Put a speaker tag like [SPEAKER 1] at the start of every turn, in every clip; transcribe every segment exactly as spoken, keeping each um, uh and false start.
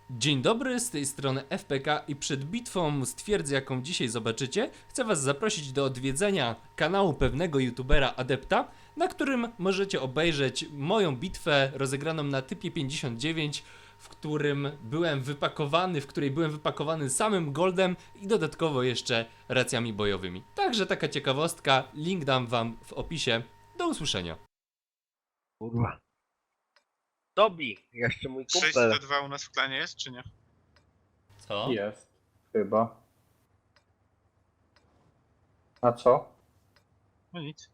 [SPEAKER 1] Dzień dobry, z tej strony F P K i przed bitwą z twierdzy, jaką dzisiaj zobaczycie, chcę was zaprosić do odwiedzenia kanału pewnego youtubera Adepta, na którym możecie obejrzeć moją bitwę rozegraną na typie pięćdziesiąt dziewięć, w którym byłem wypakowany, w której byłem wypakowany samym goldem i dodatkowo jeszcze racjami bojowymi. Także taka ciekawostka, link dam wam w opisie. Do usłyszenia.
[SPEAKER 2] Kurwa. Dobi, jeszcze mój
[SPEAKER 3] sześć
[SPEAKER 2] kumpel.
[SPEAKER 3] do dwa u nas w klanie jest, czy nie?
[SPEAKER 1] Co?
[SPEAKER 4] Jest, chyba. A co?
[SPEAKER 3] No nic.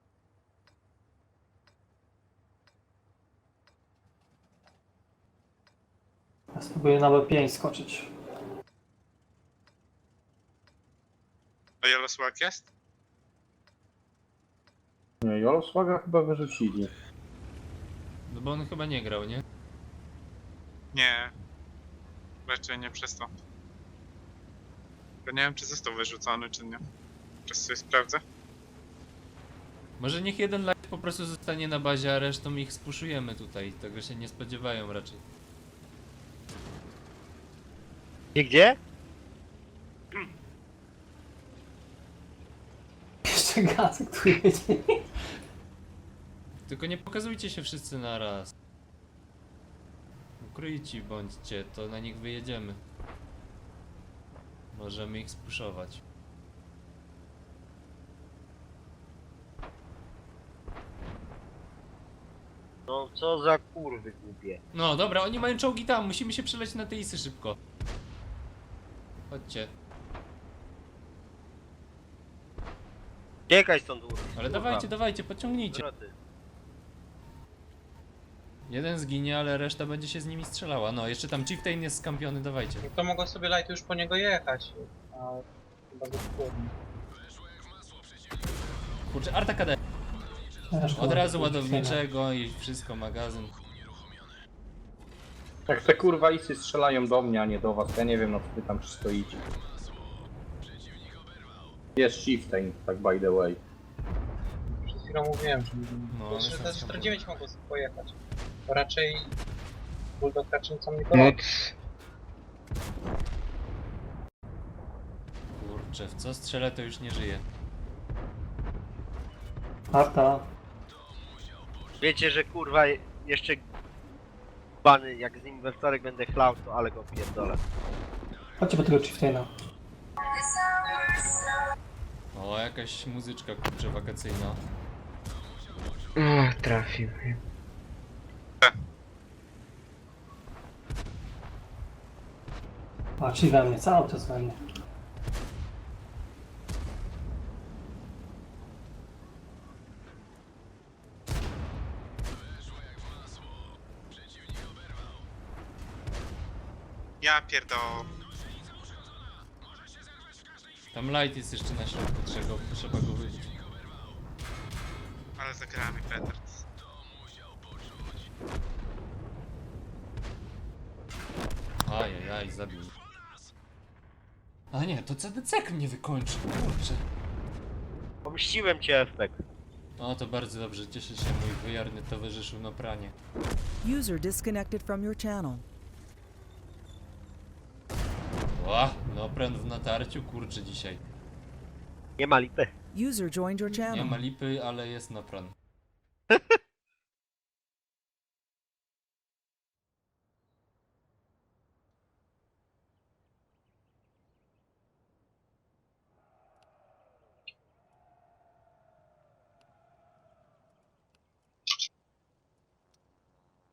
[SPEAKER 5] Ja spróbuję na B pięć skoczyć.
[SPEAKER 3] A Jolosłak jest?
[SPEAKER 4] Nie, Jolosłaga chyba wyrzucili.
[SPEAKER 1] No bo on chyba nie grał, nie?
[SPEAKER 3] Nie. Raczej nie przez to. Tylko nie wiem, czy został wyrzucony, czy nie. Teraz sobie sprawdzę.
[SPEAKER 1] Może niech jeden live po prostu zostanie na bazie, a resztą ich spuszujemy tutaj. Tego się nie spodziewają raczej.
[SPEAKER 2] Gdzie, gdzie?
[SPEAKER 5] Jeszcze Gacek tu jedzie.
[SPEAKER 1] Tylko nie pokazujcie się wszyscy na raz. Ukryci bądźcie, to na nich wyjedziemy. Możemy ich spuszować.
[SPEAKER 2] No co za kurwy głupie.
[SPEAKER 1] No dobra, oni mają czołgi tam, musimy się przeleć na te isy szybko. Chodźcie.
[SPEAKER 2] Uciekaj stąd, kurwa.
[SPEAKER 1] Ale dawajcie, dawajcie, podciągnijcie.
[SPEAKER 2] Zwroty.
[SPEAKER 1] Jeden zginie, ale reszta będzie się z nimi strzelała. No, jeszcze tam Chieftain jest skampiony, dawajcie.
[SPEAKER 6] To mogą sobie light już po niego jechać. A chyba go wpłynnie.
[SPEAKER 1] Kurczę, Arta K D. Od razu ładowniczego i wszystko, magazyn.
[SPEAKER 4] Jak te kurwa isy strzelają do mnie, a nie do was, ja nie wiem, no co wy tam stoicie. Jest Chieftain, tak by the way.
[SPEAKER 6] Przed chwilą mówiłem, że
[SPEAKER 1] No,
[SPEAKER 6] no,
[SPEAKER 1] ale
[SPEAKER 6] że
[SPEAKER 1] są
[SPEAKER 6] te
[SPEAKER 1] skampione.
[SPEAKER 6] czterdzieści dziewięć mogą sobie pojechać. Bo raczej Bulldog raczyńcą nie porobi.
[SPEAKER 1] Kurczę, w co strzelę to już nie żyje.
[SPEAKER 5] Arta.
[SPEAKER 2] Wiecie, że kurwa jeszcze bany, jak z nim we wtorek będę chlał, to ale go pierdolę.
[SPEAKER 5] Chodźcie po tego Chieftaina.
[SPEAKER 1] O, jakaś muzyczka, kurczę, wakacyjna.
[SPEAKER 6] O, trafił.
[SPEAKER 5] A, czyli we mnie, cały czas we mnie.
[SPEAKER 3] Ja pierdolę.
[SPEAKER 1] Tam light jest jeszcze na środku, trzeba go, trzeba go wybić.
[SPEAKER 3] Ale zagramy petard.
[SPEAKER 1] Ajajaj, zabił. A nie, to C D C mnie wykończy, kurczę.
[SPEAKER 2] Pomściłem cię, Efek.
[SPEAKER 1] O, to bardzo dobrze, cieszę się, mój wyjarny towarzyszu na pranie.
[SPEAKER 7] User disconnected from your channel.
[SPEAKER 1] Ła, no pręd w natarciu, kurczę dzisiaj.
[SPEAKER 2] Nie ma lipy.
[SPEAKER 7] User joined your
[SPEAKER 1] Nie
[SPEAKER 7] channel.
[SPEAKER 1] ma lipy, ale jest napran.